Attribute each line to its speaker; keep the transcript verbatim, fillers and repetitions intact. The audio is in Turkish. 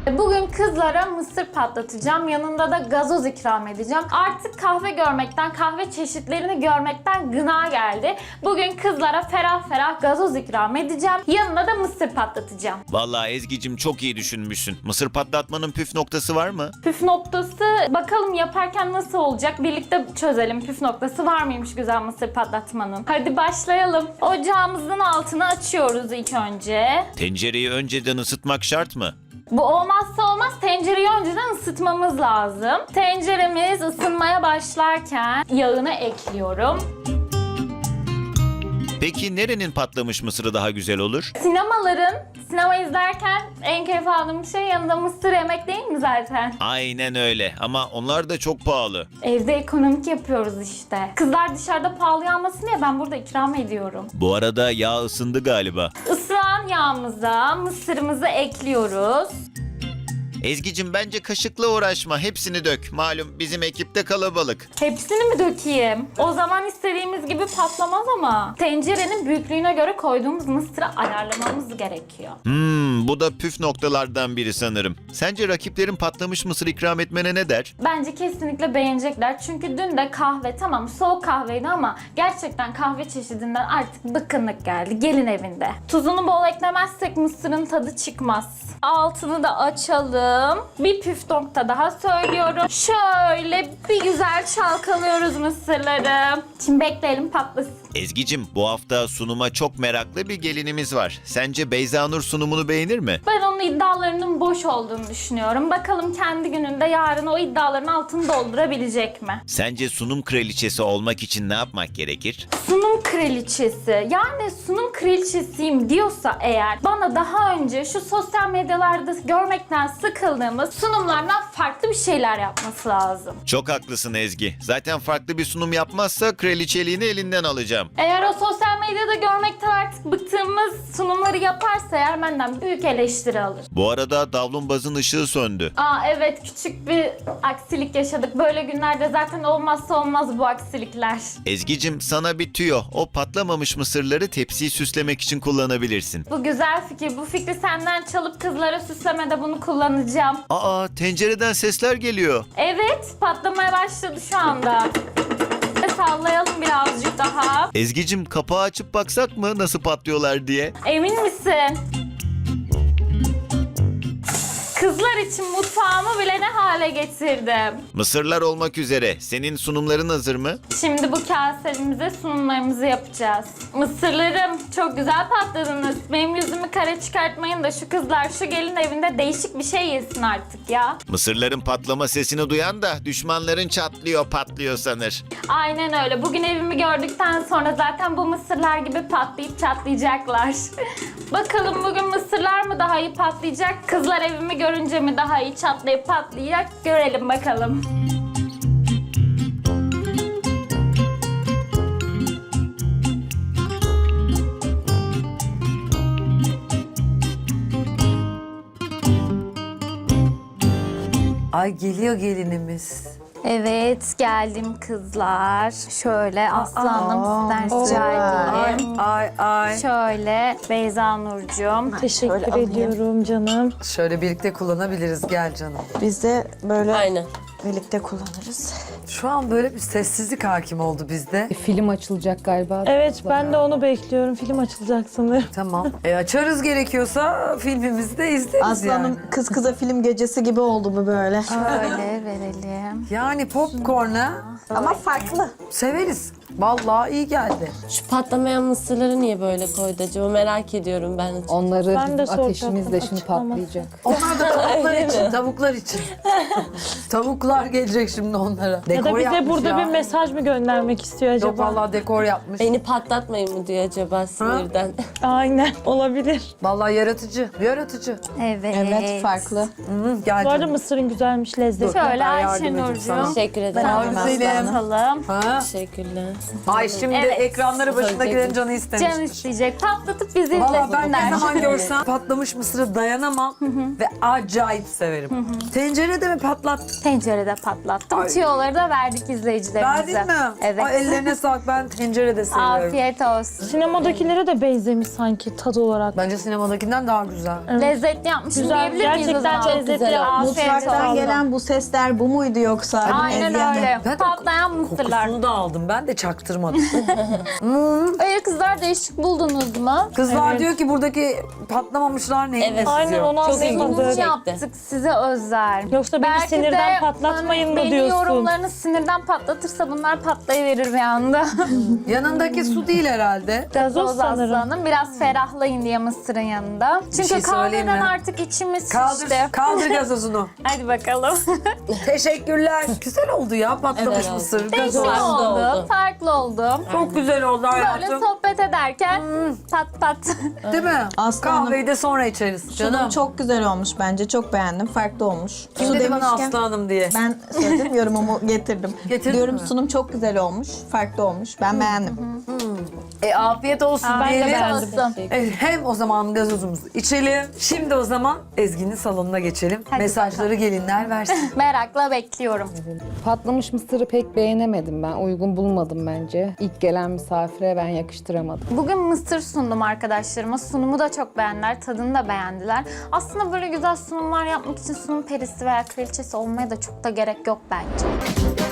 Speaker 1: Bugün kızlara mısır patlatacağım. Yanında da gazoz ikram edeceğim. Artık kahve görmekten, kahve çeşitlerini görmekten gına geldi. Bugün kızlara ferah ferah gazoz ikram edeceğim. Yanında da mısır patlatacağım.
Speaker 2: Vallahi Ezgi'cim çok iyi düşünmüşsün. Mısır patlatmanın püf noktası var mı?
Speaker 1: Püf noktası bakalım yaparken nasıl olacak? Birlikte çözelim. Püf noktası var mıymış güzel mısır patlatmanın? Hadi başlayalım. Ocağımızın altını açıyoruz ilk önce.
Speaker 2: Tencereyi önceden ısıtmak şart mı?
Speaker 1: Bu olmazsa olmaz, tencereyi önceden ısıtmamız lazım. Tenceremiz ısınmaya başlarken yağını ekliyorum.
Speaker 2: Peki nerenin patlamış mısırı daha güzel olur?
Speaker 1: Sinemaların, sinema izlerken en keyif aldığım şey yanında mısır yemek değil mi zaten?
Speaker 2: Aynen öyle ama onlar da çok pahalı.
Speaker 1: Evde ekonomik yapıyoruz işte. Kızlar dışarıda pahalı almasın diye ben burada ikram ediyorum.
Speaker 2: Bu arada yağ ısındı galiba.
Speaker 1: Isıran yağımıza mısırımızı ekliyoruz.
Speaker 2: Ezgi'cim bence kaşıkla uğraşma. Hepsini dök. Malum bizim ekipte kalabalık.
Speaker 1: Hepsini mi dökeyim? O zaman istediğimiz gibi patlamaz ama. Tencerenin büyüklüğüne göre koyduğumuz mısırı ayarlamamız gerekiyor.
Speaker 2: Hmm, bu da püf noktalardan biri sanırım. Sence rakiplerin patlamış mısır ikram etmene ne der?
Speaker 1: Bence kesinlikle beğenecekler. Çünkü dün de kahve, tamam soğuk kahveydi ama gerçekten kahve çeşidinden artık bıkkınlık geldi gelin evinde. Tuzunu bol eklemezsek mısırın tadı çıkmaz. Altını da açalım. Bir püf nokta daha söylüyorum. Şöyle bir güzel çalkalıyoruz mısırları. Şimdi bekleyelim patlasın.
Speaker 2: Ezgi'cim bu hafta sunuma çok meraklı bir gelinimiz var. Sence Beyza Nur sunumunu beğenir mi?
Speaker 1: Ben onun iddialarının boş olduğunu düşünüyorum. Bakalım kendi gününde yarın o iddiaların altını doldurabilecek mi?
Speaker 2: Sence sunum kraliçesi olmak için ne yapmak gerekir?
Speaker 1: Sunum kraliçesi, yani sunum kraliçesiyim diyorsa eğer bana daha önce şu sosyal medyalarda görmekten sıkıldığımız sunumlardan farklı bir şeyler yapması lazım.
Speaker 2: Çok haklısın Ezgi. Zaten farklı bir sunum yapmazsa kraliçeliğini elinden alacağım.
Speaker 1: Eğer o sosyal medyada görmekten artık bıktığımız sunumları yaparsa eğer benden büyük eleştiri alır.
Speaker 2: Bu arada davlumbazın ışığı söndü.
Speaker 1: Aa evet, küçük bir aksilik yaşadık. Böyle günlerde zaten olmazsa olmaz bu aksilikler.
Speaker 2: Ezgi'cim sana bir tüyo. O patlamamış mısırları tepsiyi süslemek için kullanabilirsin.
Speaker 1: Bu güzel fikir. Bu fikri senden çalıp kızlara süslemede bunu kullanacağım.
Speaker 2: Aa, tencereden sesler geliyor.
Speaker 1: Evet, patlamaya başladı şu anda. Sallayalım birazcık daha.
Speaker 2: Ezgi'cim kapağı açıp baksak mı nasıl patlıyorlar diye?
Speaker 1: Emin misin? Kızlar için mutfağımı bile ne hale getirdim.
Speaker 2: Mısırlar olmak üzere. Senin sunumların hazır mı?
Speaker 1: Şimdi bu kasemize sunumlarımızı yapacağız. Mısırlarım çok güzel patladınız. Benim yüzümü kare çıkartmayın da şu kızlar şu gelin evinde değişik bir şey yesin artık ya.
Speaker 2: Mısırların patlama sesini duyan da düşmanların çatlıyor patlıyor sanır.
Speaker 1: Aynen öyle. Bugün evimi gördükten sonra zaten bu mısırlar gibi patlayıp çatlayacaklar. Bakalım bugün mısırlar mı daha iyi patlayacak? Kızlar evimi görünce mi daha iyi çatlayıp patlayacak? Görelim bakalım.
Speaker 3: Ay geliyor gelinimiz.
Speaker 1: Evet, geldim kızlar. Şöyle aslanım sizden rica
Speaker 3: Ay
Speaker 1: edeyim.
Speaker 3: ay ay.
Speaker 1: Şöyle Beyza Nurcuğum.
Speaker 4: Teşekkür
Speaker 3: alayım.
Speaker 4: ediyorum canım.
Speaker 3: Şöyle birlikte kullanabiliriz, gel canım.
Speaker 5: Biz de böyle
Speaker 6: Aynen.
Speaker 5: birlikte kullanırız.
Speaker 3: Şu an böyle bir sessizlik hakim oldu bizde.
Speaker 7: Film açılacak galiba.
Speaker 4: Evet, ben de onu bekliyorum. Film açılacak sanırım.
Speaker 3: Tamam. E açarız gerekiyorsa filmimizi de izleriz
Speaker 5: Aslanım
Speaker 3: yani.
Speaker 5: kız kıza film gecesi gibi oldu bu böyle.
Speaker 1: Şöyle verelim.
Speaker 3: Yani popcorn'a
Speaker 5: Ama farklı.
Speaker 3: severiz. Vallahi iyi geldi.
Speaker 6: Şu patlamayan mısırları niye böyle koydu acaba merak ediyorum ben.
Speaker 7: Onları
Speaker 4: Ben de
Speaker 7: bizim ateşimiz de
Speaker 4: soracaktım,
Speaker 7: şimdi
Speaker 4: açıklama.
Speaker 7: patlayacak.
Speaker 3: Onlar da tavuklar
Speaker 6: Öyle
Speaker 3: için,
Speaker 6: mi?
Speaker 3: tavuklar için. Tavuklar gelecek şimdi onlara.
Speaker 4: Ya
Speaker 3: Dekor
Speaker 4: da bize
Speaker 3: yapmış
Speaker 4: burada
Speaker 3: ya.
Speaker 4: bir mesaj mı göndermek istiyor acaba?
Speaker 3: Yok vallahi dekor yapmış.
Speaker 6: Beni patlatmayın mı diyor acaba sinirden.
Speaker 4: Aynen, olabilir.
Speaker 3: Vallahi yaratıcı, yaratıcı.
Speaker 1: Evet.
Speaker 7: farklı.
Speaker 3: Hı, gel
Speaker 4: Bu arada
Speaker 3: canım.
Speaker 4: mısırın güzelmiş, lezzetli.
Speaker 1: Şöyle
Speaker 3: Ben yardım
Speaker 1: Ayşe
Speaker 3: edeyim sana.
Speaker 1: Nurcuğum.
Speaker 6: Teşekkür ederim.
Speaker 3: Sağ ol güzelim.
Speaker 1: Bakalım.
Speaker 3: Ha?
Speaker 6: Teşekkürler.
Speaker 3: Ay şimdi
Speaker 1: Evet.
Speaker 3: ekranları başındakilerin canı istemiş.
Speaker 1: Can isteyecek. Patlatıp bizi
Speaker 3: Valla ben ne
Speaker 1: izlesinler.
Speaker 3: zaman görsem patlamış mısırı dayanamam ve acayip severim. Tencerede mi patlat?
Speaker 1: Tencerede tencerede patlattım.
Speaker 3: Ay.
Speaker 1: Tüyoları da verdik izleyicilerimize.
Speaker 3: Verdin mi?
Speaker 1: Evet.
Speaker 3: Ay, ellerine sağlık. Ben tencerede seviyorum.
Speaker 1: Afiyet olsun.
Speaker 4: Sinemadakilere de benzemiş sanki tadı olarak.
Speaker 3: Bence sinemadakinden daha güzel.
Speaker 1: Lezzetli yapmışım
Speaker 4: Güzel,
Speaker 1: diyebilir miyiz o
Speaker 4: gerçekten
Speaker 1: zaman?
Speaker 4: lezzetli
Speaker 6: güzel
Speaker 4: yapmış.
Speaker 1: Afiyet
Speaker 5: Mutfaktan
Speaker 1: olsun.
Speaker 5: gelen bu sesler bu muydu yoksa?
Speaker 1: Aynen
Speaker 5: Ezgi'nin?
Speaker 1: öyle.
Speaker 3: Ben de
Speaker 1: Patlayan mısırlar.
Speaker 3: Kokusunu da aldım. Ben de çaktırmadım.
Speaker 1: Öyle kızlar değişik buldunuz mu?
Speaker 3: Kızlar
Speaker 4: Evet.
Speaker 3: diyor ki buradaki patlamamışlar neyin
Speaker 6: Evet.
Speaker 3: nesi
Speaker 4: Aynen
Speaker 3: diyor.
Speaker 4: onu
Speaker 6: Çok ilginç.
Speaker 4: anlayamadım.
Speaker 1: Muz yaptık size özel.
Speaker 4: Yoksa beni
Speaker 1: Belki
Speaker 4: sinirden
Speaker 1: de
Speaker 4: patlatmayın mı
Speaker 1: beni
Speaker 4: diyorsun?
Speaker 1: yorumlarını sinirden patlatırsa bunlar patlayıverir bir anda.
Speaker 3: Yanındaki su değil herhalde.
Speaker 4: Gazoz
Speaker 1: Gazoz
Speaker 4: sanırım.
Speaker 1: aslanım. Biraz ferahlayın diye mısırın yanında. Çünkü
Speaker 3: şey söyleyeyim
Speaker 1: kahveden
Speaker 3: mi?
Speaker 1: artık içimiz
Speaker 3: Kaldır,
Speaker 1: şişti.
Speaker 3: kaldır gazozunu.
Speaker 1: Hadi bakalım.
Speaker 3: Teşekkürler. Güzel oldu ya patlamış
Speaker 6: Evet,
Speaker 3: mısır.
Speaker 1: Değişik
Speaker 3: Gazoz.
Speaker 6: Farklı
Speaker 1: oldu.
Speaker 6: oldu.
Speaker 1: Farklı oldu.
Speaker 3: Çok güzel oldu
Speaker 1: Böyle
Speaker 3: hayatım.
Speaker 1: sohbet ederken pat pat.
Speaker 3: Değil mi?
Speaker 5: Aslanım.
Speaker 3: Kahveyi de sonra içeriz.
Speaker 5: Sunum
Speaker 3: Canım.
Speaker 5: çok güzel olmuş bence. Çok beğendim. Farklı olmuş.
Speaker 3: Kim dedi bana Aslı Hanım diye.
Speaker 5: Ben söyledim, yorumumu getirdim.
Speaker 3: Getirdin
Speaker 5: Diyorum
Speaker 3: mi?
Speaker 5: sunum çok güzel olmuş. Farklı olmuş. Ben beğendim.
Speaker 3: E, afiyet olsun
Speaker 4: Ben de
Speaker 3: diyelim.
Speaker 4: beğendim.
Speaker 1: Olsun.
Speaker 3: E, hem o zaman gazozumuzu içelim. Şimdi o zaman Ezgi'nin salonuna geçelim.
Speaker 1: Hadi
Speaker 3: Mesajları gelinler versin.
Speaker 1: Merakla bekliyorum.
Speaker 7: Patlamış mısırı pek beğenemedim ben. Uygun bulmadım bence. İlk gelen misafire ben yakıştıramadım.
Speaker 1: Bugün mısır sundum arkadaşlarıma. Sunumu da çok beğendiler, tadını da beğendiler. Aslında böyle güzel sunumlar yapmak için sunum perisi veya kraliçesi olmaya da çok da gerek yok bence.